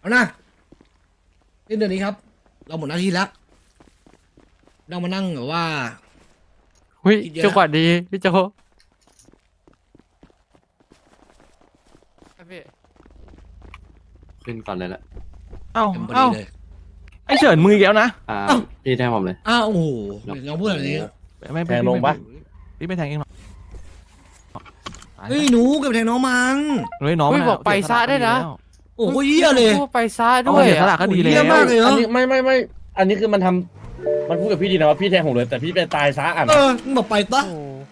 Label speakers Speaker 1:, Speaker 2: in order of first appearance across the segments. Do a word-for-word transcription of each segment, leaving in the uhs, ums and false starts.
Speaker 1: เอานะสิ้นเดือนนี้ครับ เราหมดหน้าที่แล้วเรามานั่งแบบว่า
Speaker 2: เฮ้ย
Speaker 1: คิดเยอะ
Speaker 2: จังหวะดีพี่โจครับพี่
Speaker 3: ขึ้นก่อนเลยละ
Speaker 4: เอ้า
Speaker 1: เต็มพอ
Speaker 4: เอ้า
Speaker 1: ดีเลย
Speaker 4: ไอเฉินมืออีกแล้วนะ
Speaker 3: อ่า
Speaker 1: เอ้า
Speaker 3: พี่แทนผมเลย
Speaker 1: อ้าวโอ้โหเราพูดแบบนี้
Speaker 4: ไม่
Speaker 5: แทงลงปะ
Speaker 4: พี่ไม่แทงเองหรอก
Speaker 1: เฮ้ยหนูกับแทงน้องมัน
Speaker 4: เฮ้ยน้อง
Speaker 2: เฮ้ย
Speaker 4: มัน
Speaker 2: บอกไปซะได้นะ
Speaker 1: โอ้โหเยี่ยเลย
Speaker 2: พูดไปซะ
Speaker 4: ด้
Speaker 2: ด้
Speaker 4: ว
Speaker 2: วย ย
Speaker 4: เสียสละ
Speaker 2: อะ
Speaker 4: ก็ดีแล้
Speaker 1: เยี่ยว มากเลยเหร
Speaker 5: อั
Speaker 1: อน
Speaker 5: นี้ไม่ไม่ไม่อันนี้คือมันทำมันพูดกับพี่ดีนะว่าพี่แทงผมเลยแต่พี่ไปตายซะอ่ะ
Speaker 1: เออมึงบอกไปปะ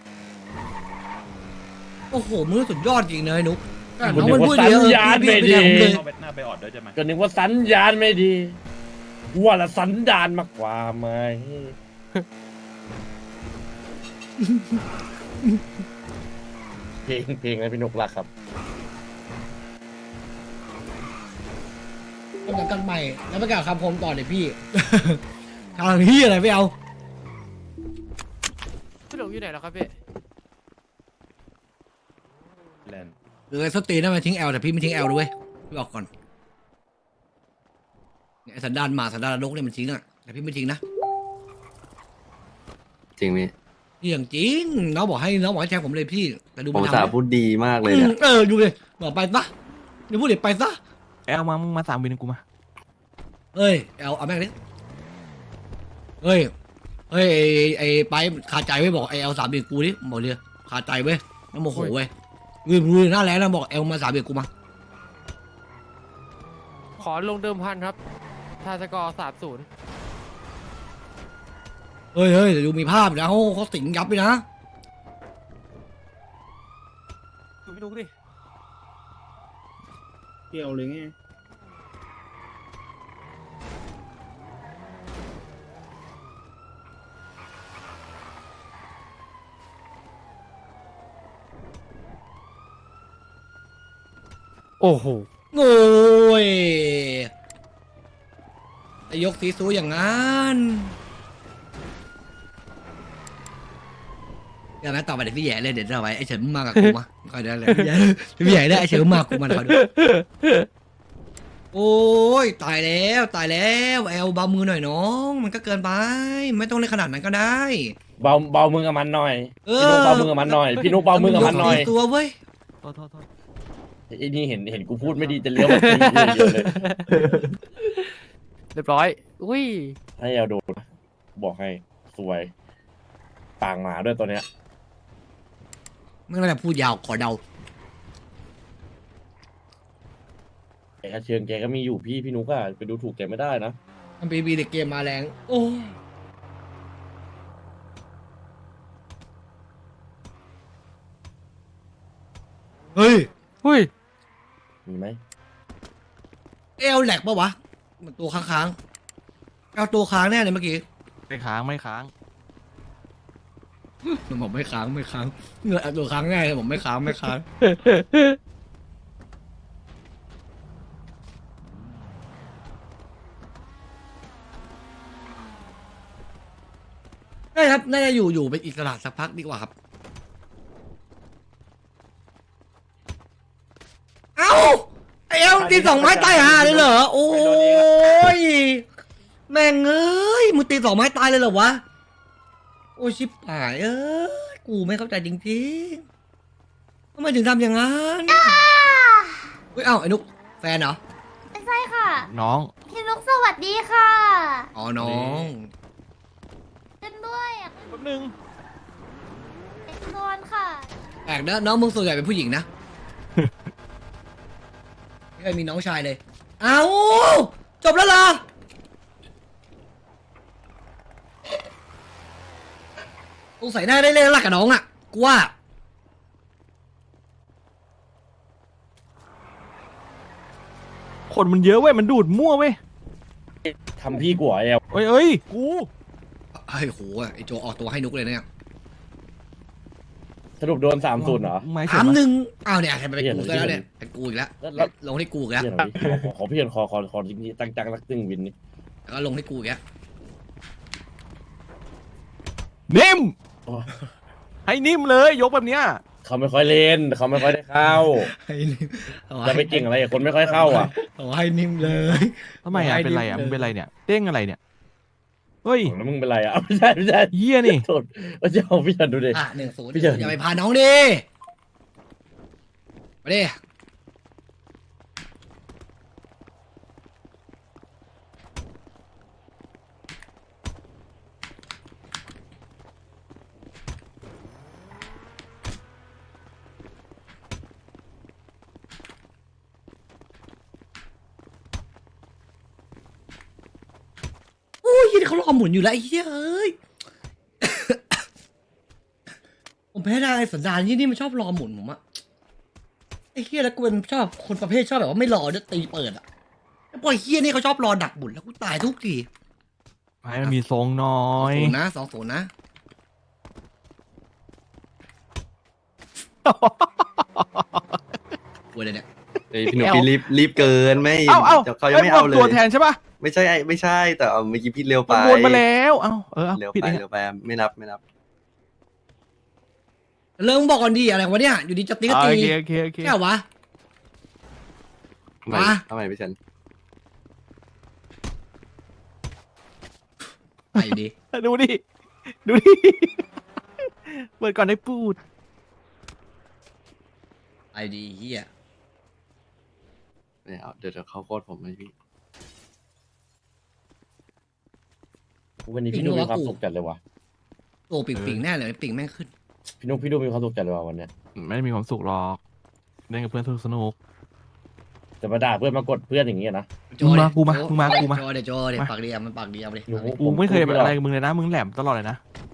Speaker 2: โอ้โห
Speaker 1: โอ้โหมึงสุดยอดจริงเลยนุ๊กแต่
Speaker 5: คุณ
Speaker 1: น้อง
Speaker 5: นึก
Speaker 1: มัน
Speaker 5: ว่า
Speaker 1: พูด
Speaker 5: สั
Speaker 1: เย
Speaker 5: ญ
Speaker 1: อะ
Speaker 5: ญาณ
Speaker 1: พี่
Speaker 5: ไม่
Speaker 1: พี่
Speaker 5: ดี
Speaker 1: แทงผมเลย
Speaker 6: เข้าไปหน้าไปออดด้วยใช่ไหม
Speaker 5: ก็นึกว่าสัญญาณไม่ดีว่าละสันดานมากกว่าไหมเพลงเพลงนะพี่นกรักครับ
Speaker 1: กำลังกันใหม่แล้วประกาศคำคมต่อเลยพี่ ทางที่อะไรไม่เอา
Speaker 2: พี่หลงอยู่ไหนแล้วครับพี่
Speaker 6: แลนด์
Speaker 1: หรือไอ้สตีนั่นมันทิ้งแอลแต่พี่ไม่ทิ้งแอลด้วยพี่บอกก่อนเนี่ยไอ้สันดานหมาสันดานนรกเนี่ยมันทิ้งอะแต่พี่ไม่ทิ้งนะ
Speaker 3: จริงพี่
Speaker 1: นี่อย่างจริงน้องบอกให้น้องบอกให้แทงผมเลยพี่แต่ดู
Speaker 3: ผม
Speaker 1: มัน
Speaker 3: สา
Speaker 1: ทำ
Speaker 3: พูดดีมากเลย
Speaker 1: อื
Speaker 3: เนี่
Speaker 1: ม
Speaker 3: ย
Speaker 1: เออดูเลยบอกไปซะเดี๋ยวพูดเดี๋ยวไปซะ
Speaker 4: แอลมามึงมาสามวินกูมา
Speaker 1: เอ้ยแอลเอาแม่งดิเฮ้ยเฮ้ยไอ้ไอ้ไปคาใจไว้บอกไอ้แอลสามเบียดกูดิบอกเลยคาใจไว้น้ำโมโหไว้ยืนมือหน้าแรงนะบอกแอลมาสามเบียดกูมา
Speaker 2: ขอลงเดิมพันครับทาสกอร์สามศูนย์
Speaker 1: เฮ้ยเฮ้ยเดี๋ยวดูมีภาพนะเขาเขาสิงยับไปนะ
Speaker 4: ดูพี่นุ๊กดิ
Speaker 5: เกี่ยวเลยไง
Speaker 2: โอ้โห
Speaker 1: โง่ยไอ้ยกสีสูอย่างนั้นอย่างนั้นต่อไปเดี๋ยวพี่แย่เลยเดี๋ยวจะไว้ไอ้เฉินมึงมากับกูมาคอยได้เลยพี่แย่พี่แย่ได้ไอ้เฉินมึงมากับกูมาคอยดูโอ้ยตายแล้วตายแล้วแอลเบามือหน่อยน้องมันก็เกินไปไม่ต้องเล่นขนาดนั้นก็ได้
Speaker 5: เบาเบามือกับมันหน่อย
Speaker 1: เอ
Speaker 5: พี่
Speaker 1: อ
Speaker 5: นุกเบามือกับมันหน่อยพี่นุกเบามือกับมันหน่อย
Speaker 1: กตัวเว้ย
Speaker 4: โทษโทษโทษ
Speaker 5: ไอ้นี่เห็นเห็นกูพูดไม่ดีจะเลี้ยวมาตีกูอย่างเดียวเลย
Speaker 2: เรียบร้อยอุ้ย
Speaker 5: ให้เอาโดนบอกให้สวยปางหมาด้วยตัวเนี้ย
Speaker 1: ไม่น่าจะพูดยาวขอเดา
Speaker 5: แกเชิงแกก็มีอยู่พี่พี่นุกอะไปดูถูกแกไม่ได้นะ
Speaker 1: มันปีบีเด็กเกมมาแรงโอ้ยเฮ้ย
Speaker 2: อุ้ย
Speaker 5: มีไหม
Speaker 1: เอลแหลกปะวะมันตัวค้างๆเอาตัวค้างแน่เลยเมื่อกี้
Speaker 4: ไม่ค้างไม่ค้าง
Speaker 1: มันบอกไม่ค้างไม่ค้างเงือตัวค้างแน่เลยผมไม่ค้างไม่ค้างได้ครับน่าจะอยู่อยู่เป็นอิสระสักพักดีกว่าครับเอ้าไอเอลตีสองไม้ตายห่าเลยเหรอโอ้ยแม่งเอ้ยมึงตีสองไม้ตายเลยเหรอวะโอ้ยชิบหายเอ้ยกูไม่เข้าใจจริงๆทำไมถึงทำอย่างนั้นเฮ้ยเอ้าไอ้นุกแฟนเหรอ
Speaker 7: ใช่ค่ะ
Speaker 4: น้อง
Speaker 7: พี่นุกสวัสดีค่ะ
Speaker 1: อ๋อน้อง
Speaker 7: เล่นด้วยอยาก
Speaker 4: แป๊บนึง
Speaker 7: เล่นนอนค่ะ
Speaker 1: แปลกนะน้องมึงส่วนใหญ่เป็นผู้หญิงนะ ไม่เคยมีน้องชายเลย เอ้าจบแล้วเหรอสงสัยหน้าได้เล่นรักกับน้องอ่ะกูว่า
Speaker 4: คนมันเยอะเว้ยมันดูดมั่วเว้ย
Speaker 5: ทำพี่กูเหรอแอล
Speaker 4: เอ้ยเอ้ยกู
Speaker 1: ไอ้ยโหไอ้โจออกตัวให้นุกเลยเนี่ย
Speaker 5: สรุปโดนสามศูนย์เหรอ
Speaker 4: ไม่
Speaker 1: ถาม
Speaker 4: เฉิน
Speaker 1: หนึ่งอ้าวเนี่ยเป็น
Speaker 5: เปลี่ยน
Speaker 1: กู
Speaker 5: เลย
Speaker 1: ซะแล้วเนี่ยเป็นกูอีกแล้ว
Speaker 5: แล้ว
Speaker 1: ลงที่กูอีกแล้ว
Speaker 5: เพี่อนขอขอขอพี่เอนขอขอขอจริงๆตั้งจังรักตึงวินนี่
Speaker 1: แล้วก็ลงที่กูอีกแล้ว
Speaker 4: นิ่ม
Speaker 5: โอ้ย
Speaker 4: ให้นิ่มเลยยกแบบเนี้ย
Speaker 5: เขาไม่ค่อยเล่นเขาไม่ค่อยได้เข้า
Speaker 1: ให้นิ่มเอา
Speaker 5: จะไป
Speaker 1: ให้
Speaker 5: เก่งอะไรกับคนไม่ค่อยเข้าอ่ะ
Speaker 1: เอาให้นิ่มเลย
Speaker 4: ทำไมอ่ะ
Speaker 1: ให้
Speaker 4: เป็นไรอ่ะ
Speaker 1: ดิบเลย
Speaker 4: มึงเป็นไรเนี่ยเด้งอะไรเนี่ยเฮ้ย
Speaker 5: แล้วมึงเป็นไรอ่ะอ้าวไม่ใช่ไม่ใช่
Speaker 4: เหี้ยนี่
Speaker 5: โทษว่าจะเอาพี่ชันดูดิ
Speaker 1: อ่ะหนึ่งศูนย์
Speaker 5: พี่เฉิน
Speaker 1: อย่าไปพาน้องดิมาดิโอ้ยยี่นี่เขารอหมุนอยู่แล้วไอ้เหี้ยเอ้ย ผมแพ้ได้สันดานยี่นี่มันชอบรอหมุนผมอะไอ้เฮียแล้วกูเป็นชอบคนประเภทชอบแบบว่าไม่รอด้วยตีเปิดอะแล้วพอไอ้เฮียนี่เขาชอบรอดักหมุนแล้วกูตายทุกที
Speaker 4: ให้มันมีทรงหน้อ
Speaker 1: สอง
Speaker 4: ย
Speaker 1: ศูนย์นะสองศูนย์นะกูเลยเนี่ย
Speaker 3: เฮ้ยพี่หนุ่มพี่รีบรีบเกินไม่
Speaker 4: เอ้าเอ้า
Speaker 3: ดี๋ยวเขายังไม่เอาเล
Speaker 4: ตัวย แทนใช่ป่ะ
Speaker 3: ไม่ใช่ไม่ใช่ แต่เอาเมื่อกี้พี่เร็วไป
Speaker 4: มันวนมาแล้วเอ้าเออเอา
Speaker 3: เร็ว
Speaker 4: ผิด
Speaker 3: ไป
Speaker 4: เอง
Speaker 3: เร็วไปไม่นับไม่นับ
Speaker 1: เริ่มบอกก่อนดีอะไรวะเนี่ยอยู่ดีจะตีก็
Speaker 4: อ่า
Speaker 1: ตี
Speaker 4: โอเคโอเคโอเค
Speaker 1: แค่วะ
Speaker 3: ทำไม
Speaker 1: มา
Speaker 3: ทำไมพี่เฉิน
Speaker 1: ไปอยู่ดี
Speaker 4: ดูดิดูดิเปิดก่อนได้พูด
Speaker 1: ไปอยู่ดีเฮีย
Speaker 3: เนี่ยเอาเดี๋ยวเดี๋ยวเขาโคตรผมเลยพี่
Speaker 5: วันนี้พี่นุ๊กมีความสุขจัดเลยว่ะ
Speaker 1: โอ้ปิ่งปิ่งแน่เลยปิ่งแม่งขึ้น
Speaker 5: พี่นุ๊กพี่นุ๊กมีความสุขจัดเลยว่ะวันเนี้ย
Speaker 4: ไม่ได้มีความสุขหรอกเล่นกับเพื่อนสนุกสนุก
Speaker 5: จะมาด่าเพื่อนมากดเพื่อนอย่างเงี้ยนะ
Speaker 1: โจ
Speaker 4: มึงมา
Speaker 1: ดิ
Speaker 4: กูมา
Speaker 1: โจ
Speaker 4: มึงมากูมา
Speaker 1: โจเดี๋ยวโจเดี๋ยว
Speaker 4: มา
Speaker 1: ปากเดียวมันปากเดียวเลย
Speaker 5: หนู
Speaker 4: กูไม่เคยเป็นอะไรกับมึงเลยนะมึงแหลมตลอดเลยนะ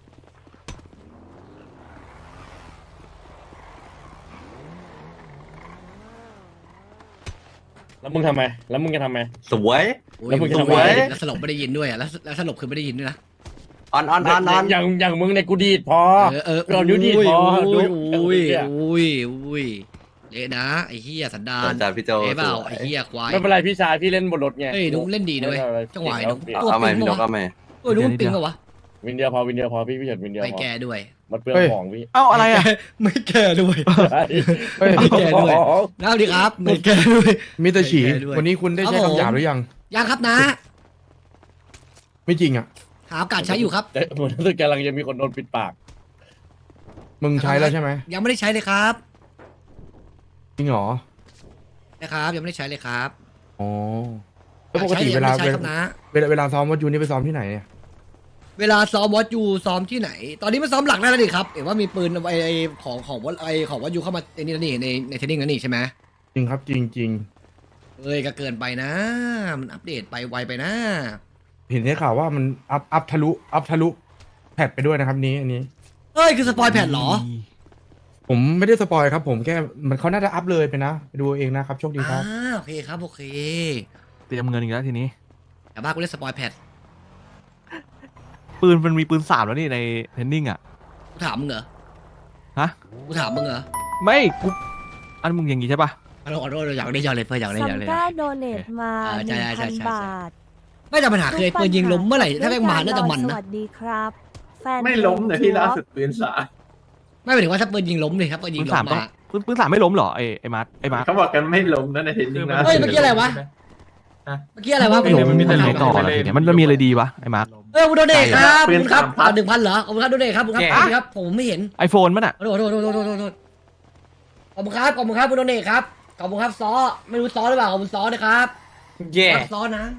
Speaker 5: แล้วมึงทำไมแล้วมึงจะทำไม
Speaker 3: สวย
Speaker 1: โอ้ย
Speaker 5: แล้วมึงจะ
Speaker 1: ส
Speaker 5: ทำไง
Speaker 1: วยแล้วสลบไม่ได้ยินด้วยอ่ะแล้วแล้วสลบคือไม่ได้ยินด้วยนะ
Speaker 3: ออนออนออนออน
Speaker 5: อย่างอย่างมึงเนี่ยกูดีดพอ
Speaker 1: เออเออ
Speaker 5: เรานิ้วดีดพอ
Speaker 1: โอ้ย
Speaker 5: ดู
Speaker 1: โอ้ย
Speaker 5: เนี่ย
Speaker 1: โอ้ยโอ้ยเละนะไอ้เฮียสันดา
Speaker 3: ส
Speaker 1: น
Speaker 3: นใจพี่โจ
Speaker 1: เอ้เปล่า
Speaker 3: สวย
Speaker 1: ไอ้เฮียควาย
Speaker 5: ไม่เป็นไรพี่ชายพี่เล่นบนรถไง
Speaker 1: เอ้ยนุ๊กเล่นดีด้วย
Speaker 5: ไม่เป็นไร
Speaker 1: จังหวะ
Speaker 5: เก่
Speaker 1: นุ๊ก
Speaker 5: เก่
Speaker 1: ตัว
Speaker 3: เอาใหม่
Speaker 1: ปิง
Speaker 3: พี่น
Speaker 1: ปะ
Speaker 3: ก
Speaker 1: วะ
Speaker 3: เอาใหม่
Speaker 1: เออนุ๊กมันปิงปะวะ
Speaker 5: วินเดียวพอวินเดียวพอพี่พี่เฉินวินเดียว
Speaker 1: ไม่
Speaker 5: พอ
Speaker 1: แก่ด้วย
Speaker 5: มันเปลืองของพี่
Speaker 4: เอ้าอะไรอ่ะ
Speaker 1: ไม่แก่ด้วย
Speaker 8: เฮ้ย
Speaker 1: ไม่แก่ด้วยแล้วดีครับไม่แก่ด้วย
Speaker 8: มิสเตอร์ฉี
Speaker 1: ไม่แก้ด้วย
Speaker 8: วันนี้คุณได้ใช้
Speaker 1: ครับผม
Speaker 8: คำหยาบหรือยัง
Speaker 1: ยังครับนะ
Speaker 8: ไม่จริงอ่ะ
Speaker 1: หาโอกาสใช้อยู่ครับ
Speaker 5: แต่เหมือนรู้สึกกำลังจะมีคนโดนปิดปาก
Speaker 8: มึงใช้แล้วใช่ไหม
Speaker 1: ยังไม่ได้ใช้เลยครับ
Speaker 8: จริงเหรอ
Speaker 1: นะครับ ยังไม่ได้ใช้เลยครับ
Speaker 8: อ๋อแล้วปกติ
Speaker 1: อย
Speaker 8: เว
Speaker 1: ใช้
Speaker 8: ลา
Speaker 1: ยังไม่ได้ใช้ครับนะ
Speaker 8: เวลาเวลาซ้อมวัดยูนี่ไปซ้อมที่ไหนเนี่ย
Speaker 1: เวลาซ้อมวอตยูซ้อมที่ไหน ตอนนี้มันซ้อมหลักได้แล้วดิครับเห็นว่ามีปืนไอไอของของวอตไอของวอตยูเข้ามาในนี่แล้วนี่ในในเทรนนิ่งแล้วนี่ใช่ไหม
Speaker 8: จริงครับจริงจริง
Speaker 1: เอ้ยก็เกินไปนะ มันอัปเดตไปไวไปนะ
Speaker 8: เห็นได้ข่าวว่ามันอัพอัพทะลุอัพทะลุแพทไปด้วยนะครับนี้อันนี้
Speaker 1: เอ้ยคือสปอยแผ่นเหรอ
Speaker 8: ผมไม่ได้สปอยครับ ผมแค่มันเขาน่าจะอัพเลยไปนะไปดูเองนะครับโชคดีค
Speaker 1: อ่า
Speaker 8: รับ
Speaker 1: โอเคครับโอเค
Speaker 4: เตรียมเงินอีกแล้วทีนี้
Speaker 1: แต่บ้ากูเล่นสปอยแผ่น
Speaker 4: ปืนมันมีปืนสามแล้วนี่ในเทรนนิ่งอ่ะ
Speaker 1: กูถามมึงเหรอ
Speaker 4: ฮะ
Speaker 1: กูถามมึงเหรอ
Speaker 4: ไม่กูอันมึงอย่างงี้ใช่ปะ
Speaker 1: ขอโทษขอโทษอยากได้อยากเลยเพื่อนอยากได้อยาก
Speaker 9: ซัม
Speaker 1: เลย
Speaker 9: ก้าโดเนทมา
Speaker 1: อ่า
Speaker 9: ห
Speaker 1: ใช่
Speaker 9: นึ่ง
Speaker 1: ใช่
Speaker 9: พัน
Speaker 1: ใช่
Speaker 9: บาท
Speaker 1: ไม่แต่ปัญหาคือไอ้ปืนยิงล้มเมื่อไหร่ถ้าแม่งมาน่าจะมัน
Speaker 9: ส
Speaker 1: นะ
Speaker 9: วัสดีครับ แฟน
Speaker 6: ไม่ล้มเลยพี่ล่าสุดปืนสา
Speaker 1: ไม่หมายถึงว่าถ้าปืนยิงล้มเลยครับปืนยิ
Speaker 4: ปื
Speaker 1: ง
Speaker 4: น
Speaker 1: ล้
Speaker 4: สาม
Speaker 1: ม
Speaker 4: ต้อง
Speaker 1: มา
Speaker 4: ปืนปืนสามไม่ล้มเหรอไอ้ไอ้มาร์ทไอ้มาร์ท
Speaker 6: เขาบอกกันไม่ล้มนะในเทนนิงนะ
Speaker 1: เฮ้ยเมื่อกี้อะไรวะ เมื่อกี้อะไรวะ
Speaker 4: ไม่ล้ม
Speaker 6: มันมีแต่
Speaker 4: ไหน
Speaker 6: ล้ม
Speaker 4: ต่ออะไรเนี่ยมันมันมีอะไรดีวะไอ้มาร์ท
Speaker 1: เออคุณโดเดทครับ
Speaker 6: ปื
Speaker 1: ขอบ
Speaker 6: น
Speaker 1: คุณครับ
Speaker 6: สามพัน
Speaker 1: หนึ่งพันเหรอขอบคุณครับโดเดทครับขอบคุณครับขอบคุณครับผมไม่เห็น
Speaker 4: ไอโฟนมันอ่ะ
Speaker 1: ขอโทษขอโทษขอโทษขอโทษขอโทษขอบคุณครับขอบคุณครับคุณโดเดทครับขอบคุณครับซอไม่รู้ซอหรือเปล่าขอบคุณซอนะครับ
Speaker 6: แย่
Speaker 1: รับซอนะ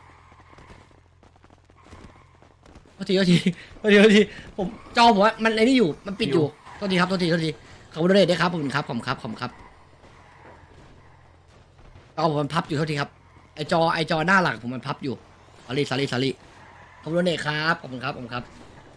Speaker 1: โทษทีโทษทีโทษทีโทษทีผมจอผมว่ามันไอ้นี่อยู่มันปิดอยู่โทษทีครับโทษทีโทษทีขอบคุณโดเดทด้วยครับขอบคุณครับขอบคุณครับขอบคุณครับจอผมมันพับอยู่โทษทีครับไอจอไอจอหน้าหลังผมมันพับอยู่สอรี่สอรี่สอรี่ขอบคุณโดเดทครับขอบคุณครับขอบคุณครับ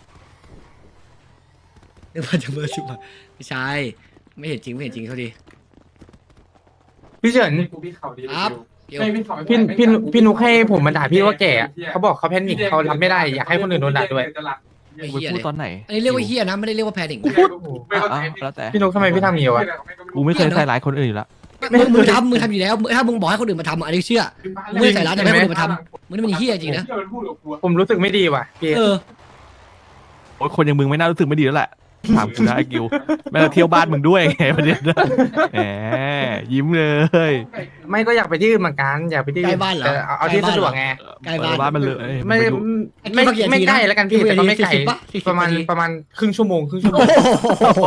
Speaker 1: นึกว่าจะเบอร์สิบาไม่ใช่ไม่เห็นจริงไม่เห็นจริงโทษที
Speaker 10: พี่เฉิน
Speaker 1: ครับเกี่ยว
Speaker 10: พี่พี่พี่นุกให้ผมมาด่าพี่ว่าแก่อะเขาบอกเขาแพนิคเขารับไม่ได้อยากให้คนอื่นโดนด่าด้วย
Speaker 1: ไอ้
Speaker 4: กู
Speaker 1: เหี้ย
Speaker 4: พู
Speaker 1: เล
Speaker 4: ด
Speaker 1: ย
Speaker 4: ตอนไหน
Speaker 1: อันนี้เรียกว่าเฮียนะไม่ได้เรียกว่าแพนิค
Speaker 4: อ่ะอ่ะแล้วแต่
Speaker 10: พี่นุกทำไมพี่ทำอย่างนี้วะ
Speaker 4: กูไม่เคยใส่ร้ายคนอื่นอยู่แล้ว
Speaker 1: มึงมึงทำมึงทำอยู่แล้วมึงถ้ามึงบอกให้คนอื่นมาทำอันนี้เชื่อมึงไม่ได้ใส่ร้ายแต่ให้คนอื่นมาทำมึงนี่มันเฮียจริงนะ
Speaker 10: ผมรู้สึกไม่ดีว่ะพี่
Speaker 1: เออ
Speaker 4: โอ้ยคนอย่างมึงไม่น่ารู้สึกไม่ดีแล้วแหละถามกูได้กิวแม่เราเที่ยวบ้านมึงด้วยไงประเด็นนะแหมยิ้มเลย
Speaker 10: ไม่ก็อยากไปที่อื่นเหมือนกันอยากไปที่
Speaker 1: ใกล้บ้านเหรอ
Speaker 10: แต่เอาเอาที่สะดวกไง
Speaker 1: ใกล้บ้าน
Speaker 4: บ้านมันเลย
Speaker 10: ไม่
Speaker 4: ไปดู
Speaker 10: ไม่
Speaker 1: กี่นาที
Speaker 10: ไม่ใกล้แล้วกันพี่
Speaker 1: กี่นาที
Speaker 10: แต่ก็ไม่ไกล
Speaker 1: สี่สิบปะสี่สิบ
Speaker 10: ประมาณ
Speaker 1: นาที
Speaker 10: ประมาณครึ่งชั่วโมงครึ่งชั่วโม
Speaker 1: โอ้
Speaker 10: ง
Speaker 1: โห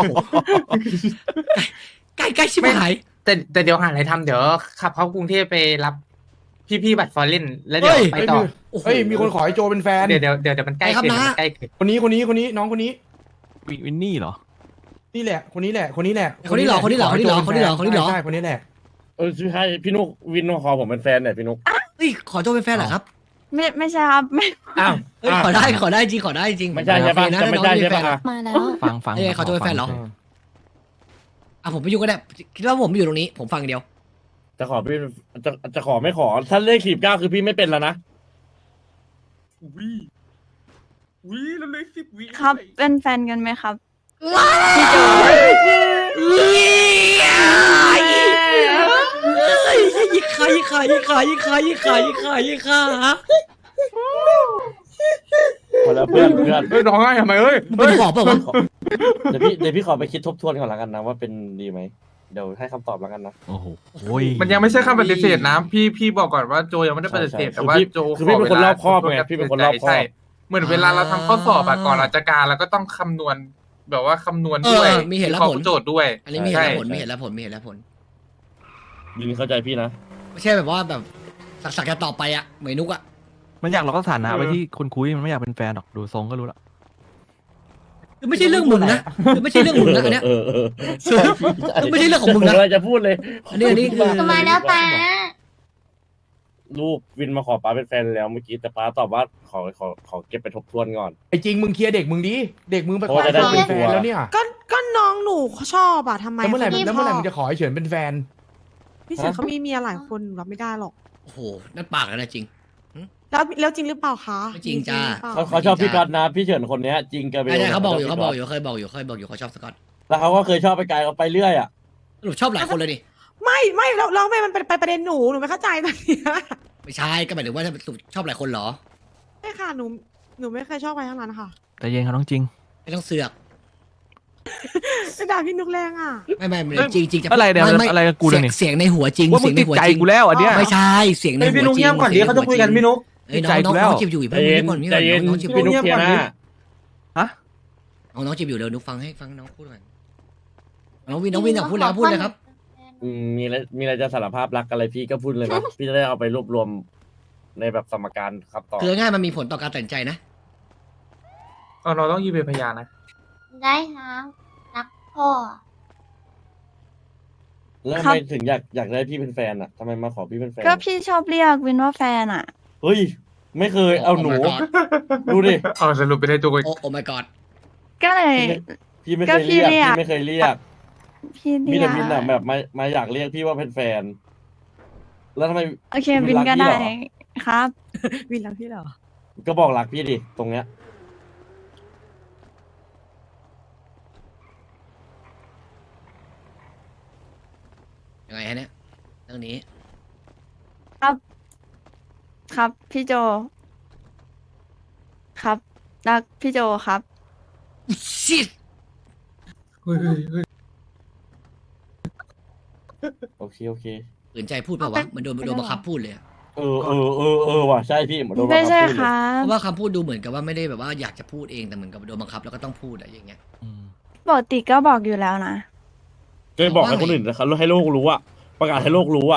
Speaker 1: ใกล้ใกล้ชิบหาย
Speaker 10: แต่แต่เดี๋ยวหาอะไรทำเดี๋ยวขับเข้ากรุงเทพไปรับพี่ๆบัตรฟอร์เรนแล้วเดี๋ยว
Speaker 1: เฮ้ย
Speaker 10: ไปต่อ
Speaker 8: เฮ้ยมีคนขอให้โจเป็นแฟน
Speaker 10: เดี๋ยวเดี๋ยวเดี๋ยวเดี๋ยวมันใกล้
Speaker 1: ไปครับ
Speaker 10: เกิน
Speaker 1: นะ
Speaker 10: มันใกล้เกิน
Speaker 8: คนนี้คนนี้คนนี้น้องคนนี้
Speaker 4: วิวินนี่เหรอ
Speaker 8: นี่แหละ คนนี้แหละ คนนี้แหละ
Speaker 1: คนนี้เหรอคนนี้เหรอคนนี้เหรอคนนี้เหรอคนนี้เหรอ
Speaker 8: ใช่คนนี้แหละ
Speaker 5: เออใช่พี่นุกวินมาขอผมเป็นแฟนเนี่ยพี่นุก
Speaker 1: เฮ้ยขอโจเป็นแฟนเหรอครับ
Speaker 9: ไม่ไม่ใช่ครับไม่
Speaker 5: อ้าว
Speaker 1: เฮ้ยขอได้ขอได้จริงขอได้จริง
Speaker 5: ไม่ใช่ใช่ปะ
Speaker 1: โอเคนะ
Speaker 5: จะไม่ใช่ใช่ปะ
Speaker 1: น้อง
Speaker 5: อ่ะ
Speaker 7: มาแล้ว
Speaker 4: ฟังฟัง
Speaker 1: เอ้ยเขาจะเป็นแฟนเหรอ อ่ะผมไปอยู่ก็ได้คิดว่าผมอยู่ตรงนี้ ผมฟังอย่างเดียว
Speaker 5: จะขอพี่จะจะขอไม่ขอถ้าเลขขีบเก้าคือพี่ไม่เป็นแล้วนะ
Speaker 9: ครับเป็นแฟนกันไหมครับ
Speaker 1: พี่โจยิงขายิงขายิงขายิงขายิงขายิงขายิงขา
Speaker 5: คนละเพื่อนเพื่อน
Speaker 10: เฮ้ยร้องไห้ทำไมเฮ้ย
Speaker 1: มึงเป็นหอบเปล่าวะ
Speaker 5: เดี๋ยวพี่เดี๋ยวพี่ขอไปคิดทบทวนก่อนละกันนะว่าเป็นดีไหมเดี๋ยวให้คำตอบแล้วกันนะ
Speaker 4: โอ้โหโอ้ย
Speaker 10: มันยังไม่ใช่คำปฏิเสธนะพี่พี่บอกก่อนว่าโจยังไม่ได้ปฏิเสธ
Speaker 5: ใช่
Speaker 10: แต่ว่า
Speaker 5: คือพี่
Speaker 10: โจ
Speaker 5: คือพี่เป็นคนรอบคอบ
Speaker 10: ขวลา
Speaker 5: ไงพี่เป็นคนรอบคอบ
Speaker 10: ใช่เหมือนเวลาเราทำข้อสอบอะก่อนราชการเราก็ต้องคำนวณแบบว่าคำนวณด้วย
Speaker 1: เออมีเหตุและผล
Speaker 10: วิคราะห์โจทย์ด้วย
Speaker 1: อันนี้มีเหตุ
Speaker 10: ใช่
Speaker 1: และผลมีเหตุและผลมีเหตุและผล
Speaker 5: ยินเข้าใจพี่นะ
Speaker 1: ไม่ใช่แบบว่าแบบสักสักจะต่อไปอ่ะเหมยนุกอ่ะ
Speaker 4: มันอยากล็อกสถานะไว้ที่คนคุยมันไม่อยากเป็นแฟนหรอกดูทรงก็รู้ละ
Speaker 1: คือไม่ใช่เรื่องมึงนะคือไม่ใช่เรื่องมึงนะอันเนี้ย
Speaker 5: เออเออ
Speaker 1: คือไม่ใช่เรื่องของมึงนะ
Speaker 5: ผมอะไรจะพูดเลย
Speaker 1: อันนี้อันนี้คือ
Speaker 7: มาแล้วป้า
Speaker 5: ลูกวินมาขอป้าเป็นแฟนแล้วเมื่อกี้แต่ป้าตอบว่าขอขอขอเก็บไปทบทวนก่อน
Speaker 8: ไอ้จริงมึงเคลียร์เด็กมึงดิ เด็กมึงไปข
Speaker 5: เพ
Speaker 8: อ
Speaker 5: ราะว่าจะได้
Speaker 8: เป็นแฟ
Speaker 5: เป็นตั
Speaker 8: น
Speaker 5: ว
Speaker 8: แล้วเนี่ย
Speaker 11: ก็ก็น้องหนูเขาชอบอะทำไม
Speaker 8: แล้วเมื่อไหร่
Speaker 11: ขา
Speaker 8: แล้วเมื่อไหร่
Speaker 11: ชบ
Speaker 8: มึงจะขอไอ้เฉินเป็นแฟน
Speaker 11: พี่เฉินเขามีเมียหลายคนหนูรับไม่ได้หรอก
Speaker 1: โอ้โหนั่นปากแล้วนะจริง
Speaker 11: แล้วแล้วจริงหรือเปล่าคะ
Speaker 1: ไม่จริงจ้า
Speaker 11: หรือเปล่
Speaker 5: เขาเขาชอบพี่ก๊อตนะพี่เฉินคนเนี้ยจริงกันไป
Speaker 1: ไอ้เนี่ยเขาบอกอยู่เขาบอกอยู่เคยบอกอยู่เคยบอกอยู่เขาชอบสกอต
Speaker 5: แล้วเขาก็เคยชอบไปไกลเขาไปเรื่อยอ่ะ
Speaker 1: สรุปชอบหลายคนเลยดิ
Speaker 11: ไม่ไม่แล้วแล้วทำไมมันเป็นไปประเด็นหนูหนูไม่เข้าใจตอนเนี้ย
Speaker 1: ไม่ใช่ก็หมายถึงว่าสรุปชอบหลายคนเหรอ
Speaker 11: ไม่ค่ะหนูหนูไม่เคยชอบใครทั้งนั้นค่ะ
Speaker 4: แต่เย็นเขาต้องจริง
Speaker 1: ไม่ต้องเสือก
Speaker 11: ไม่ด่าพี่นุกแรงอ่ะ
Speaker 1: ไม่ไม่ไม่จริงจริงจะ
Speaker 4: อะไรเนี่ย
Speaker 1: ม่ม่
Speaker 4: อะไรกับกูเนี่ยนี่
Speaker 1: เสียงในหัวจริง
Speaker 4: ว่ามึ
Speaker 1: เสีย
Speaker 4: ง
Speaker 1: งใน
Speaker 4: ติด
Speaker 1: หัว
Speaker 4: ใจ
Speaker 1: จริง
Speaker 4: กูแล้วอันเนี้ย
Speaker 1: ไม่ใช่เสียงใน
Speaker 10: เฮ้ย
Speaker 1: หัว
Speaker 10: พี่นุ๊ก
Speaker 1: จริ
Speaker 10: เงียบก่อนดิเขาจะคุยกันพี่นุ๊ก
Speaker 1: เอ้ยน้องน้อง
Speaker 4: ใจกูแล้ว
Speaker 1: น้องจีบอยู่
Speaker 5: ใจ
Speaker 1: เพิ่ง
Speaker 5: เย็น
Speaker 1: ก่อนนี่
Speaker 5: ใจเย็น
Speaker 1: น้องจีบอ
Speaker 5: พี่
Speaker 1: ยู่
Speaker 5: นุ๊กเคลียร์หน้า
Speaker 4: ฮะ
Speaker 1: น้องน้องจีบอยู่เดี๋ยวนุ๊กฟังให้ฟังน้องพูดก่อนน้องวินน้องวินอยากพูดแล้วพูดเลยครับ
Speaker 5: อืมมีอะไรมีอะไรจะสารภาพรักอะไรพี่ก็พูดเลยนะ พี่จะได้เอาไปรวบรวมในแบบสมการคำตอบ
Speaker 1: คือง่ายๆมันมีผลต่อการตัดสินใจนะ
Speaker 10: เออเราต้องยืนเป็นพยานนะ
Speaker 7: ได้ครับรักพ่อ
Speaker 5: แล้วทำ
Speaker 9: ครั
Speaker 5: ไม
Speaker 9: บ
Speaker 5: ถึงอยากอยากได้พี่เป็นแฟนอ่ะทำไมมาขอพี่เป็นแฟน
Speaker 9: ก็พี่ชอบเรียกวินว่าแฟนอ่ะ
Speaker 5: เฮ้ย ไม่เคยเอาหนู
Speaker 1: Oh my god
Speaker 5: ดูดิ
Speaker 10: เอาสรุปไปได้ตัว
Speaker 1: โอ้โอ้ my god
Speaker 9: ก็เลย
Speaker 5: พี่ไม่
Speaker 9: ก็
Speaker 5: เคย
Speaker 9: พี่
Speaker 5: เรียก
Speaker 9: เรียก
Speaker 5: พี่ไม่เคยเรียก
Speaker 9: พี่
Speaker 5: มี
Speaker 9: เรีย
Speaker 5: แต่
Speaker 9: ก
Speaker 5: วินอ่ะแบบมามาอยากเรียกพี่ว่าเป็นแฟน แล้วทำไม
Speaker 9: โอเค
Speaker 5: วิ
Speaker 9: วิ
Speaker 5: น
Speaker 9: น
Speaker 5: รัก
Speaker 9: ก็
Speaker 5: พี่
Speaker 9: ได้
Speaker 5: เหรอ
Speaker 9: ครับ
Speaker 11: วินแล้วพี่เหรอ
Speaker 5: ก็บอกรักพี่ดิตรงเนี้ย
Speaker 1: ยังไงฮะเนี่ยเรื่องนี้
Speaker 9: ครับ ครับพี่โจ ครับรักพี่โจครับ
Speaker 1: ชิด
Speaker 5: โอเคโอเค
Speaker 1: ฝืนใจพูดเปล่าวะเหมันโดนโดนบังคับพูดเลยอะ
Speaker 5: เออเออเออเออว่ะใช่พี่เหมือนโดนบัง
Speaker 9: ไม่
Speaker 5: คับ
Speaker 9: ใช่
Speaker 5: พูด
Speaker 9: ค
Speaker 5: เลย
Speaker 9: รั
Speaker 1: เพ
Speaker 9: บ
Speaker 1: ราะว่าคำพูดดูเหมือนกับว่าไม่ได้แบบว่าอยากจะพูดเองแต่เหมือนกับโดนบังคับแล้วก็ต้องพูดอะไรอย่างเงี้ย
Speaker 4: อืม
Speaker 9: ปกติก็บอกอยู่แล้วนะ
Speaker 5: จะบอกให้คนอื่นนะครับให้โลกรู้อะประกาศให้โลกรู้อะ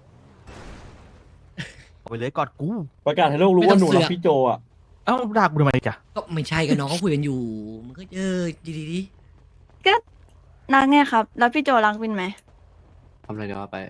Speaker 4: เอาไปเลยกอดกู
Speaker 5: ประกาศให้โลกรู้ว่าหนูรักพี่โจอะ
Speaker 4: เอ้าด่ากูทำไมจ้ะ
Speaker 1: ก็ไม่ใช่กันน้องเขาคุยกันอยู่มันก็เออดีดีดี
Speaker 9: ก็รักไงครับ แล้วพี่โจรักวินไหม
Speaker 3: ทำอะไรเดี๋ยวเอาไป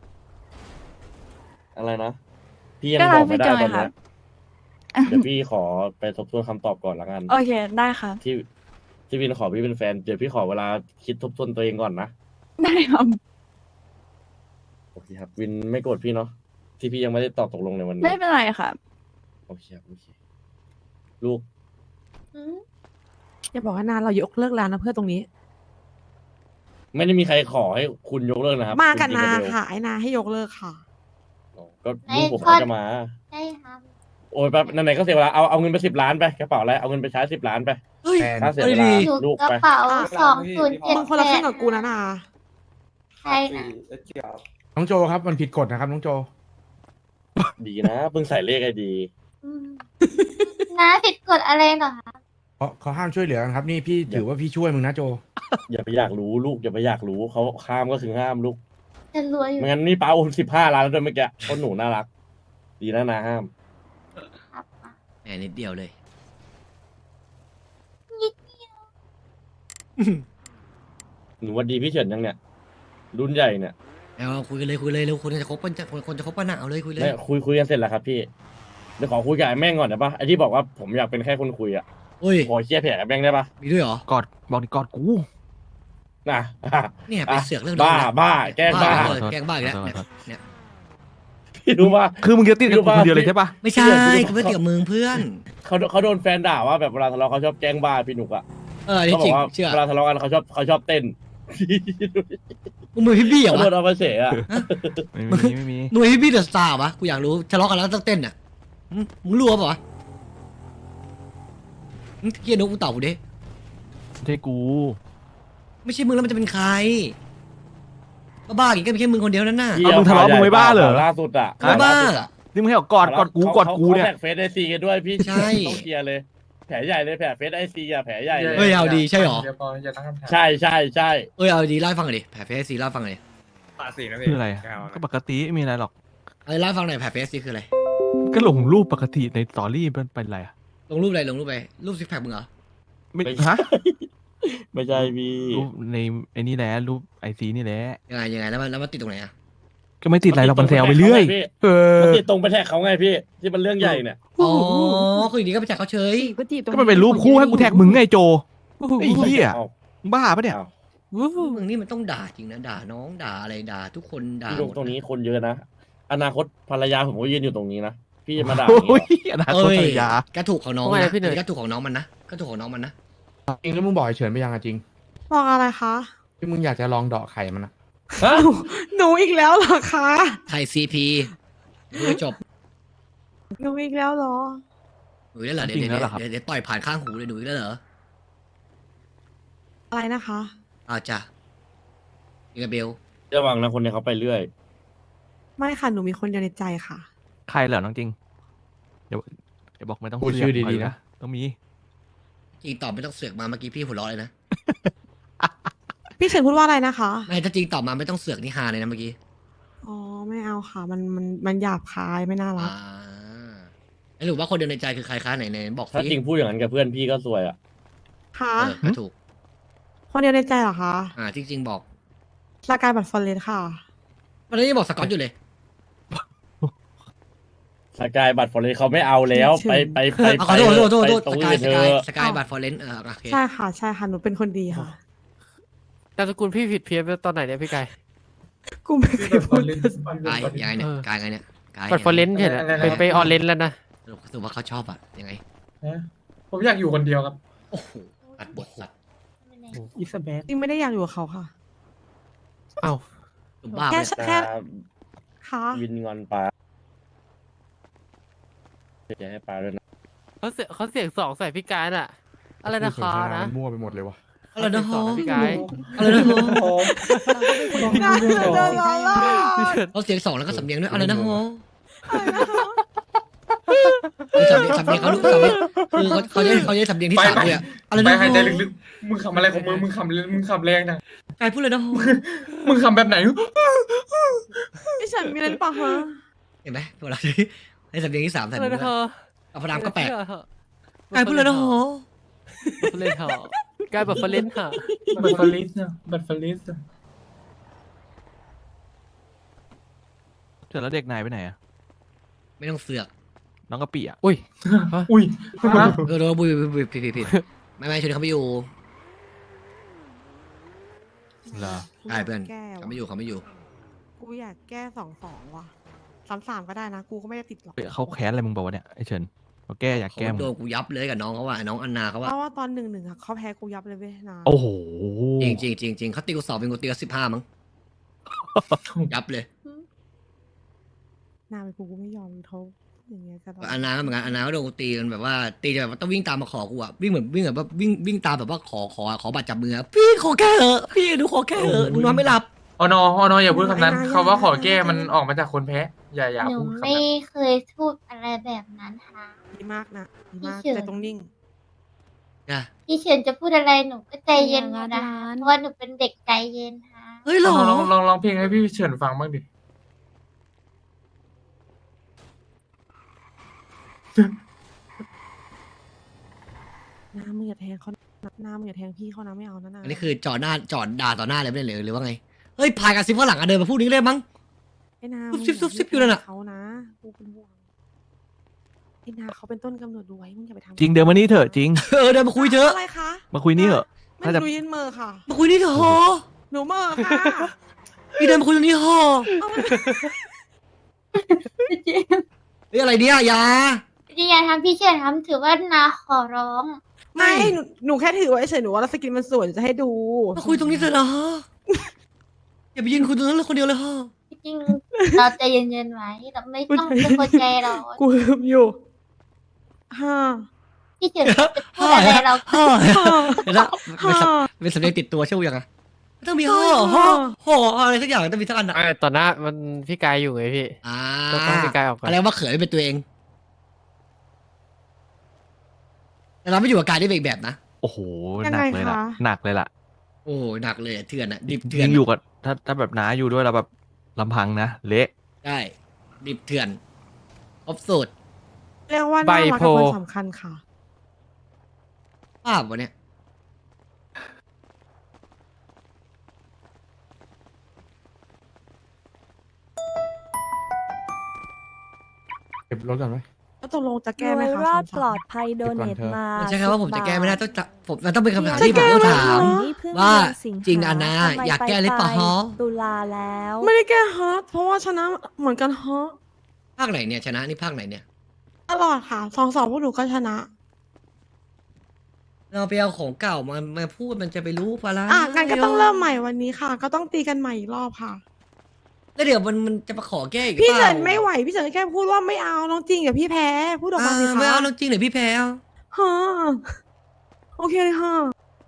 Speaker 5: อะไรนะพี่ยัง
Speaker 9: ก็
Speaker 5: บ
Speaker 9: รั
Speaker 5: อก กไม่
Speaker 9: พี่
Speaker 5: ได้
Speaker 9: โจ
Speaker 5: ต
Speaker 9: ไง
Speaker 5: อน
Speaker 9: ครั
Speaker 5: เนี้
Speaker 9: บ
Speaker 5: ยเดี๋ยวพี่ขอไปทบทวนคำตอบก่อนละกัน
Speaker 9: โอเคได้ครับ
Speaker 5: ที่ที่วินขอพี่เป็นแฟนเดี๋ยวพี่ขอเวลาคิดทบทวนตัวเองก่อนนะ
Speaker 9: ได้ครับ
Speaker 5: โอเคครับวินไม่โกรธพี่เนาะที่พี่ยังไม่ได้ตอบตกลงในวันนี้
Speaker 9: ไม่เป็นไรครับ
Speaker 5: โอเคครับโอเคลูก
Speaker 11: อย่าบอกว่านานเรายกเลิกร้านนะเพื่อตรงนี้
Speaker 5: ไม่ได้มีใครขอให้คุณยกเลิกนะครับ
Speaker 11: มากัน
Speaker 5: คุณ
Speaker 11: นา
Speaker 5: จิงเบล
Speaker 11: ค่ะไอ้นาให้ยกเลิกค่ะ
Speaker 5: อ๋อก็ลูกผมเขาจะมา
Speaker 7: ได้ครับ
Speaker 5: โอ้ยแป๊บไหนๆก็เสียเวลาเอาเอาเงินไปสิบล้านไปกระเป๋าอะไรเอาเงินไปใช้สิบล้านไป
Speaker 1: เเฮ้ย
Speaker 8: แฟน
Speaker 5: ถ้าเสีย
Speaker 1: เอ้
Speaker 5: เวย ลา
Speaker 1: ดี
Speaker 7: อยู่
Speaker 5: ลูก
Speaker 7: กระ
Speaker 5: ไป
Speaker 7: เป๋าสองศูนย์เจ็ด
Speaker 11: มึงคน
Speaker 7: แป
Speaker 11: ละครึ่
Speaker 7: ด
Speaker 11: งกับกูนะนา
Speaker 7: ใช่นะ
Speaker 8: น้องโจครับมันผิดกฎนะครับน้องโจ
Speaker 5: ดีนะเพิ่งใส่เลขไอดี
Speaker 7: อืมน้าผิดกฎอะไรเหรอคะ
Speaker 8: เขาเขาห้ามช่วยเหลือกันครับ นี่พี่ถือว่าพี่ช่วยมึงนะโจ
Speaker 5: อย่าไปอยากรู้ลูกอย่าไปอยากรู้เขาห้ามก็คือห้ามลูก
Speaker 7: จะรวยอยู่
Speaker 5: ไม่งั้นนี่ป้าโอนสิบห้าล้านแล้วด้วยเมื่อกี้คนหนูน่ารัก ดีนะนะห้าม
Speaker 7: ครับ
Speaker 1: แหมนิดเดียวเลย
Speaker 7: นิด
Speaker 5: หนูวันดีพี่เฉินยังเนี่ย รุ่นใหญ่เนี่ย
Speaker 1: เอาคุยกันเลยคุยเลยเร็วคนจะคบปันจะคนจะคบปันหนาเอาเลยคุยเลย
Speaker 5: ไม่คุยคุยกันเสร็จแล้วครับพี่เดี๋ยวขอคุยกับไอ้แม่งก่อนได้ปะไอ้ที่บอกว่าผมอยากเป็นแค่คนคุยอ่ะ
Speaker 1: เฮ้ย
Speaker 5: ขอเคลียร์แผลกับแม่งได้ปะ
Speaker 1: มีด้วยเหรอ
Speaker 4: กอดบอกดิกอดกู
Speaker 5: นะ
Speaker 1: เนี่ยไปเสือกเรื่อง
Speaker 5: บ้า
Speaker 1: น้องนะ
Speaker 5: บ้าแกล้งบ้า
Speaker 1: เออแกล้งบ้าอีกแล้วเนี่ยเนี่ย
Speaker 5: พี่รู้ว่า
Speaker 4: คือมึงจะติดกับกูคนเดียวเลยใช่ปะ
Speaker 1: ไม่ใช่กูไม่ติดกับมึงเพื่อน
Speaker 5: เขาเขาโดนแฟนด่าว่าแบบเวลาทะเลาะเขาชอบแกล้งบ้าพี่หนุกอ่ะ
Speaker 1: เอออัน
Speaker 5: เขา
Speaker 1: นี่
Speaker 5: บ
Speaker 1: จ
Speaker 5: อ
Speaker 1: ริง
Speaker 5: กว่า
Speaker 1: เชื่อ
Speaker 5: เวลาทะเลาะกันเขาชอบเขาชอบเต้น
Speaker 1: มึงมือพี่บี้เหรอ
Speaker 5: เขาโด
Speaker 1: วะ
Speaker 5: นเอามาเฉยอ่ะ
Speaker 4: ไม่มีไม่มี
Speaker 1: หน่วยพี่บี้เดอะสตาร์วะกูอยากรู้ทะเลาะกันแล้วต้องเต้นอ่ะหึมึงรู้ปะวะหึเกียร์นกกูตอบกูดิ
Speaker 4: ไม่ใช่กู
Speaker 1: ไม่ใช่มึงแล้วมันจะเป็นใครบ้าๆอีกก็มีแค่มึงคนเดียวนั่นน่ะ
Speaker 5: พี่
Speaker 4: เอามึงทะเลาะมึงไม่บ้าเหรอ
Speaker 5: ล่าสุดอ่ะ
Speaker 1: บ้า
Speaker 4: นี่มึงให้บอกกอดกอดกูกอดกูเนี่ย
Speaker 5: ขาแท็กเฟซไอซีกันด้วยพี่
Speaker 1: ใช่
Speaker 5: ต้องเคลียร์เลย แผลใหญ่เลยแผลเฟซไอซีอ่ะแผลใหญ่เลย
Speaker 1: เฮ้ยเอาดีใช่หรอ
Speaker 5: ใช่ใช่ใช่
Speaker 1: เอ้ยเอาดีเล่าให้ฟังหน่อยดิแผลเฟสซีเล่าให้ฟังหน่อยดิ
Speaker 4: คืออะไรอะก็ปกติไม่มีอะไรหรอก
Speaker 1: เอาเล่าให้ฟังหน่อยแผลเฟสซีคืออะไร
Speaker 4: ก็ลงรูปปกติในสตอรี่มันเป็นอะไรอะ
Speaker 1: ลงรูปอะไรลงรูปไปรูปซิกแพคมึงเหรอ
Speaker 4: ไม่ฮะ
Speaker 5: ไม่ใช่พี่
Speaker 4: รูปในไอ้นี่แหละรูปไอซีนี่แหละ
Speaker 1: ยังไงยังไงแล้วมันแล้วมันติดตรงไหนอ่ะ
Speaker 4: ก็ไม่ติดอะไรเรามันแซวไปเรื่อย เออ
Speaker 5: มันติดตรงไปแท็กเขาไงพี่ ที่มันเรื่องใหญ่เนี่ย
Speaker 1: อ๋อคืออย่างนี้ก็ไปจากเขาเฉย
Speaker 11: ก็จีบตรง
Speaker 4: ก็มันเป็นรูปคู่ให้กูแท็กมึงไงโจไอ้เหี้ย
Speaker 5: เอา
Speaker 4: บ้าปะเนี่ย
Speaker 5: เอา
Speaker 1: มึงนี่มันต้องด่าจริงนะด่าน้องด่าอะไรด่าทุกคนด่า
Speaker 5: พี่ลง
Speaker 1: หมด
Speaker 5: ตรงนี้คนเยอะนะ อนาคตภรรยาผมก็ยืนอยู่ตรงนี้นะ พี่จะมาด่าอย่าง
Speaker 4: โอ้ย
Speaker 5: เงี้ย
Speaker 4: อนาคต
Speaker 1: เอ้ย
Speaker 4: ภรรยา
Speaker 1: ก็ถูกของน้อง
Speaker 2: ว่าไง
Speaker 1: นะ
Speaker 2: พี่เหนื่อย
Speaker 1: ก็ถูกของน้องมันนะก็ถูกของน้องมันนะ
Speaker 8: จริงแล้วมึงบอกไอ้เฉินไปยังอะจริง
Speaker 11: บอกอะไรคะ
Speaker 8: ที่มึงอยากจะลองเดาะไข่มันอะ
Speaker 5: ฮะ
Speaker 11: หนูอีกแล้วเหรอคะ
Speaker 1: ไทยซีพีดูให้จบ
Speaker 11: หนูอีกแล้วเหรอ
Speaker 1: หนูอีกแล้วเหรอเดี๋ยว
Speaker 4: จริง
Speaker 1: เดี๋ยว
Speaker 4: แล้วเหรอครับ
Speaker 1: เดี๋ยวเดี๋ยวต่อยผ่านข้างหูเลยหนูอีกแล้วเหรอ
Speaker 11: อะไรนะคะ
Speaker 1: อ้าวจ้ะยังไงเบล
Speaker 5: ระวังนะคนนี้เขาไปเรื่อย
Speaker 11: ไม่ค่ะหนูมีคนเดียวในใจค่ะ
Speaker 4: ใครเหรอน้องจริง เดี๋ยวเดี๋ยวบอกไม่ต้อง
Speaker 8: พูดชื่อดีๆนะ
Speaker 4: ต้องมี
Speaker 1: จริงตอบไม่ต้องเสือกมาเมื่อกี้พี่หัวเราะเลยนะ
Speaker 11: พี่เฉินพูดว่าอะไรนะคะ
Speaker 1: ไม่ถ้าจริงตอบมาไม่ต้องเสือกนี่ฮาเลยนะเมื่อกี้
Speaker 11: อ๋อไม่เอาค่ะ มันมันมันหยาบคายไม่น่ารัก
Speaker 1: อ่าแล้วหรือว่าคนเดียวในใจคือใครคะไหนไหนบอก
Speaker 5: ถ้า
Speaker 1: สิ
Speaker 5: จริงพูดอย่างนั้นกับเพื่อนพี่ก็ซวยอ่ะ
Speaker 11: ค่ะ
Speaker 1: เออก็ถูก
Speaker 11: คนเดียวในใจเหรอคะ
Speaker 1: อ่าจริงๆบอก
Speaker 11: สกายบัตรฟอร์เรสค่ะ
Speaker 1: วันนี้ยังบอกสกอตอยู่เลย
Speaker 5: สกายบัตรฟอร์เรสเขาไม่เอาแล้ว ไปไปไป
Speaker 1: เอาขอโทษขอโทษขอโทษ
Speaker 5: ไปตรง
Speaker 1: สกาย
Speaker 5: อื่น
Speaker 1: ส
Speaker 5: เธ
Speaker 1: กาย
Speaker 5: อ
Speaker 1: สกายบัตรฟอร์เรนเออโอเค
Speaker 11: ใช่ค่ะใช่ค่ะหนูเป็นคนดีค่ะ
Speaker 2: นามสกุลพี่ผิดเพี้ยนไปตอนไหนเนี่ยพี่ไก่
Speaker 11: กูไม่เคยพูดเลย
Speaker 1: กายยังไงเนี่ย
Speaker 2: เออ
Speaker 1: กายไงเนี่ยกาย
Speaker 2: บัตรฟอร์เรนต์เห็นอะเป็นไปออเรนต์แล้วนะ
Speaker 1: สรุปสรุปว่าเขาชอบอะยังไง
Speaker 6: ผมอยากอยู่คนเดียวครับ
Speaker 1: โอ้โหตัดบทตัด
Speaker 6: อิสเบธ
Speaker 11: จริงไม่ได้อยากอยู่กับเขาค่ะ
Speaker 2: เอ้า
Speaker 1: หนุ่มบ้า
Speaker 11: แค่
Speaker 1: เลย
Speaker 11: แค่ค่ะ
Speaker 5: วินงอนปลาจะให้ปลาด้วยนะ
Speaker 2: เขาเสียเขาเสียงสองใส่พี่การอะอะไรนะ
Speaker 8: พูด
Speaker 2: คะ
Speaker 8: สนทนา
Speaker 2: นะ
Speaker 8: มันมั่วไปหมดเลยวะ
Speaker 1: อะไรนะฮะ
Speaker 2: พี่ไก่
Speaker 1: อะไรนะฮะ
Speaker 11: น่าจะโดนล้อล่อ
Speaker 1: เขาเสียงสองแล้วก็สำเนียงด้วยอะไรนะฮะสำเนียงสำเนียงเขาดูสำเนียงคือเขาเขาจะเขาจะสำเนียงที่สามเลยอะอะไร
Speaker 6: ไป
Speaker 1: นะ
Speaker 6: หาย
Speaker 1: ฮะ
Speaker 6: ใจลึกๆ มึงขำอะไรของมึง มึงขำมึงขำแรงนะ
Speaker 1: กายพูดเลยนะฮะ
Speaker 6: มึงขำแบบไหน
Speaker 11: พี่เฉินมีอะไรหรือเปล่าคะ
Speaker 1: เห็นไหมเวลาให้สำเนียงที่สามใส่
Speaker 2: อะไร
Speaker 1: มือ
Speaker 2: นะเธอ
Speaker 1: เอาพระรามก็แปลก
Speaker 2: เชื่อเถอะ
Speaker 1: กายพูดเลยนะฮะ
Speaker 2: บัตรฟอร์เรนต์เหรอกายบัตรฟอร์เรนต์เหรอ
Speaker 6: บัตรฟลิสนะบัตรฟลิส
Speaker 4: เจอแล้วเด็กนายไปไหนอะ
Speaker 1: ไม่ต้องเสือก
Speaker 4: น้องกะปิอะ
Speaker 2: อุ้ย
Speaker 6: อุ้ย
Speaker 1: เออโดนบุยบุยบุยผิดผิดผิดไม่ไม่ชวนเขาไม่อยู่
Speaker 4: เหรอ
Speaker 1: ใช่เพื่อน
Speaker 11: แก้ว
Speaker 1: เขาไม่อยู่เขาไม่อยู่
Speaker 11: กูอยากแก้สองสองว่ะสามสามก็ได้นะ กูก็ไม่ได้ติดหรอก
Speaker 4: เฮ้ยเขาแค้นอะไรมึงบอกวะเนี่ยไอ้เฉินเขาแก้อยาก
Speaker 1: เขา
Speaker 4: แก้มึง
Speaker 1: โดนกูยับเลยกับน้องเขาว่าน้องอันนาเขา
Speaker 11: เพ
Speaker 1: ว่า
Speaker 11: ราะว่าตอนหนึ่งหนึ่งอะเขาแพ้กูยับเลยเว้ยนะ
Speaker 4: โอ้โห
Speaker 1: จริงจริงจริงจริงเขาตีกูสอบเป็นกูตีกูสิบห้ามั้งยับเลย
Speaker 11: หน้าไปกูกูไม่ยอมเขาอย่างเงี้ยจะแบบ
Speaker 1: อานาก็เหมือนกันอานาก็โดนกูตีกันแบบว่าตีจนแบบว่าต้องวิ่งตามมาขอกูอะวิ่งเหมือนวิ่งแบบว่าวิ่งวิ่งตามแบบว่าขอขอขอบัตรจับมืออะพี่ขอแค่เหอะพี่หนูขอแค่เหอะหนูนอนไม่หลับ
Speaker 2: ออนอออนออย่าพูดคำนั้นคำว่าขอแก้มันออกมาจากคนแพ้ อย่าอย่า
Speaker 7: หนู
Speaker 2: พูดคำ
Speaker 7: ไม่
Speaker 2: นั้น
Speaker 7: เคยพูดอะไรแบบนั้นค่ะ
Speaker 11: ดีมากนะดีมาก
Speaker 7: พี่เฉิน
Speaker 11: แต่ต้องนิ่ง
Speaker 1: นะ
Speaker 7: พี่เฉินจะพูดอะไรหนูก็ใจเย็นอยู่นะ
Speaker 9: ร้าน
Speaker 7: เพราะว่าหนูเป็นเด็กใจเย็นค่ะ
Speaker 1: เฮ้ยหรอ
Speaker 2: ลองลองลองเพลงให้พี่เฉินฟังบ้างดิ
Speaker 11: น้ามึงอย่าแทงเขานะน้ามึงอย่าแทงพี่เขานะไม่เอานะนะ
Speaker 1: อันนี้คือจอดหน้าจอดด่าต่อหน้าเลยไม่ได้เลยหรือว่าไงเฮ้ยพายกับซิฟฝรั่งอะเดินมาพูดนี้เลยมั้ง
Speaker 11: ไอ้นา
Speaker 1: ซุบ
Speaker 11: มึง
Speaker 1: ซิบซุบซิบอยู่นั่นน่ะ
Speaker 11: เขานะกูเป็นห่วงไอ้นาเขาเป็นต้นกำเนิดรวยมึงอย่าไปทำ
Speaker 4: จริงเดินมานี่เถอะจริง
Speaker 1: เออเดินมาคุยเถอะ
Speaker 11: อะไรคะ
Speaker 4: มาคุยนี่เถอะ
Speaker 11: ไม่
Speaker 4: ถ้าจะ
Speaker 11: หนูยินเมอร์ค่ะ
Speaker 1: มาคุยนี่เถอะ
Speaker 11: หนูเมอร์ค่ะ
Speaker 1: พี่เดินมาคุยตรงนี้เถอะ
Speaker 7: จริง
Speaker 1: เฮ้ยอะไรเนี่ยอยา
Speaker 7: จริงอย่าทำพี่เฉินทำถือว่านาขอร้อง
Speaker 11: ไม่หนูหนูแค่ถือไว้เฉยหนูว่าสกินมันสวยจะให้ดู
Speaker 1: มาคุยตรงนี้เถอะนะอย่าไปยืนคุยตรงนั้นเลยคนเดียวเลยฮะ
Speaker 7: จริงๆเราใจเย็นๆไว้เราไม่ต้องเป็นคนใจร้อน
Speaker 11: กูลืมอยู่ฮ่า
Speaker 7: พี่เฉินจะพูดอะไรเราก็
Speaker 1: ฮ่าเดี๋ยวนะเป็นสำเป็นสำเนียงติดตัวใช่ไหมยังอะไม่ต้องมีห่อห่อห่ออะไรสักอย่างต้องมีสักอันอะ
Speaker 2: ไอ้ต่อหน้ามันพี่กายอยู่ไงพี่
Speaker 1: อ่า
Speaker 2: ก็ต้องพี่กายออกก่อน
Speaker 1: อะไรว่าเขยเป็นตัวเองแต่เราไม่อยู่กับกายได้เป็นอีกแบบนะ
Speaker 4: โอ้โห
Speaker 11: ยัง
Speaker 4: หนั
Speaker 11: ไง
Speaker 4: กเลยล่ะ
Speaker 11: คะ
Speaker 4: หนักเลยล่ะ
Speaker 1: โอ้หนักเลยอะเถื่อนอะดิบเถื่อน
Speaker 4: ยิ่งอยู่กับถ้าถ้าแบบน้าอยู่ด้วยเราแบบลำพังนะเละ
Speaker 1: ได้ดิบเถื่อนครบสูตร
Speaker 11: เรียกว่า
Speaker 2: ใบ
Speaker 11: น่ารัก
Speaker 2: โพ
Speaker 11: กับคนสำคัญค่ะ
Speaker 1: ภาพวะเนี่ย
Speaker 8: เก็บรถก่อนไหม
Speaker 11: แล้วตกลงจะ
Speaker 9: ร
Speaker 11: แก้ไหม
Speaker 9: วย
Speaker 11: คะ
Speaker 9: รอด
Speaker 11: สาม
Speaker 9: ปลอดภัยโดเน
Speaker 8: เก็บก่อนเถอะ
Speaker 9: ทมา
Speaker 1: มันใช่คำว่าผมจะแก้ไม่ได้ต้องจะผมมันต้องเป็นคำถาม
Speaker 11: จะ
Speaker 1: ที่ผม
Speaker 11: แก้
Speaker 1: ต้อง
Speaker 11: ไม่ได้
Speaker 1: ถาม
Speaker 9: นี่เพิ่ง
Speaker 1: ว่า
Speaker 9: เดือนสิงหา
Speaker 1: จริงอะนะ
Speaker 9: ทำไม
Speaker 1: อยากแก้หรือเปล่า
Speaker 9: ไป
Speaker 1: ฮะ
Speaker 9: ตุลาแล้ว
Speaker 11: ไม่ได้แก้ฮอตเพราะว่าชนะเหมือนกันฮอต
Speaker 1: ภาคไหนเนี่ยชนะนี่ภาคไหนเนี่ย
Speaker 11: ตลอดค่ะสองสองพวกหนูก็ชนะ
Speaker 1: เราไปเอาของเก่ามามาพูดมันจะไปรู้ปะล่ะ
Speaker 11: อ่ะงั้นก็ต้องเริ่มใหม่วันนี้ค่ะ ก็ต้องตีกันใหม่อีกรอบค่ะ
Speaker 1: แล้วเดี๋ยวมันมันจะมาขอแก้อีก
Speaker 11: พี่
Speaker 1: เป
Speaker 11: เฉิ
Speaker 1: ล่าน
Speaker 11: ไม่ไหวพี่เฉินแค่พูดว่าไม่เอาน้องจริงอย่าพี่แพ้พูดออกมาสิ
Speaker 1: อ่า
Speaker 11: คะ
Speaker 1: ไม่เอาน้องจริงเดี๋ยวพี่แพ้เอา
Speaker 11: ฮะโอเคเลยค่ะ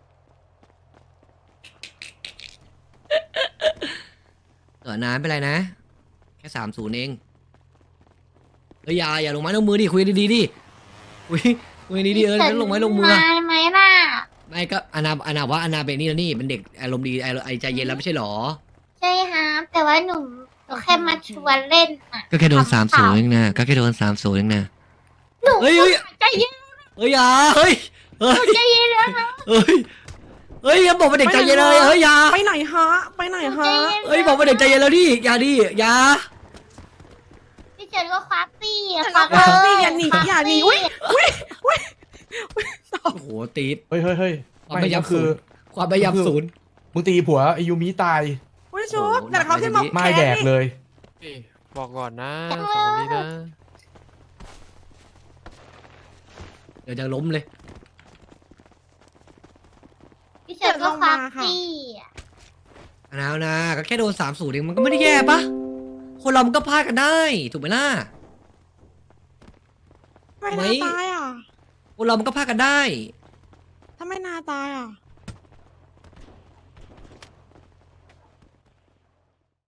Speaker 1: เออนานไม่เป็นไรนะ แค่สามศูนย์เองเฮ้ยอย่าอย่าลงไม้ลงมือดิคุยดีๆดิคุยคุยดีๆเออแล้วลงไม้ลงมือ
Speaker 7: มา
Speaker 1: อะ
Speaker 7: ไหมล่ะ
Speaker 1: ไม่ก็อานาอานาว่าอานาเป็นนี่แล้วนี่เป็นเด็กอารมณ์ดีไอไอใจเย็นแล้วไม่ใช่หรอ
Speaker 7: ใช่ฮะแต่ว่าหนูหนูแค่มาชวนเล่นอ่ะ
Speaker 1: ก็แค่โดน
Speaker 7: ขำๆ
Speaker 1: สามศูนย์เองนะก็แค่โดนสามศูนย์เองนะ
Speaker 7: หนู
Speaker 1: เฮ้ยเฮ้ย
Speaker 7: ใจเย็น
Speaker 1: เฮ้ยอย่าเฮ้ยเฮ้
Speaker 7: หนู
Speaker 1: ย
Speaker 7: ใจเย็นแล้วนะ
Speaker 1: เฮ้ยเฮ้ยอย่าบอกว่าเด็กใจเย็นเลยเฮ้ยอย่า
Speaker 11: ไปไหนฮะไปไหน
Speaker 7: หนู
Speaker 11: ฮะ
Speaker 7: ใจเย็น
Speaker 1: เฮ้ยบอกว่าเด็กใจเย็นแล้วดิอย่าดิอย่า
Speaker 7: พี่เฉินก็ควักซี่อะ
Speaker 11: ฉันก็ควักซี่อย่าหนี
Speaker 7: ควัก
Speaker 11: อย่าหนี
Speaker 7: ซี่
Speaker 11: อุ๊ย
Speaker 1: โอ้โหตีด
Speaker 8: เฮ้ยเฮ้ยเฮ้ย
Speaker 1: ความพยายาม
Speaker 8: คื
Speaker 1: ศู
Speaker 8: อน
Speaker 1: ย์ความพยายามศูนย์
Speaker 8: มึงตีผัวไอยูมิตาย
Speaker 11: อุ้ยชุบ
Speaker 1: โอ้โห
Speaker 11: แต่เขาขึ้นมา
Speaker 8: ไม่
Speaker 11: แค้น
Speaker 8: แดก
Speaker 11: นี่
Speaker 8: เลย
Speaker 2: พี่บอกก่อนนะสองคนนี้นะ
Speaker 1: เดี๋ยวจะล้มเลย
Speaker 7: พี่เฉินก็ควักซี่อะ
Speaker 1: อานานะก็แค่โดนสามศูนย์เองมันก็ไม่ได้แย่ปะคนเรามันก็พลาดกันได้ถูกไหมล่ะ
Speaker 11: ทำไมนาตายอ่ะ
Speaker 1: คนเรามันก็พลาดกันได้
Speaker 11: ทำไมนาตายอ่ะ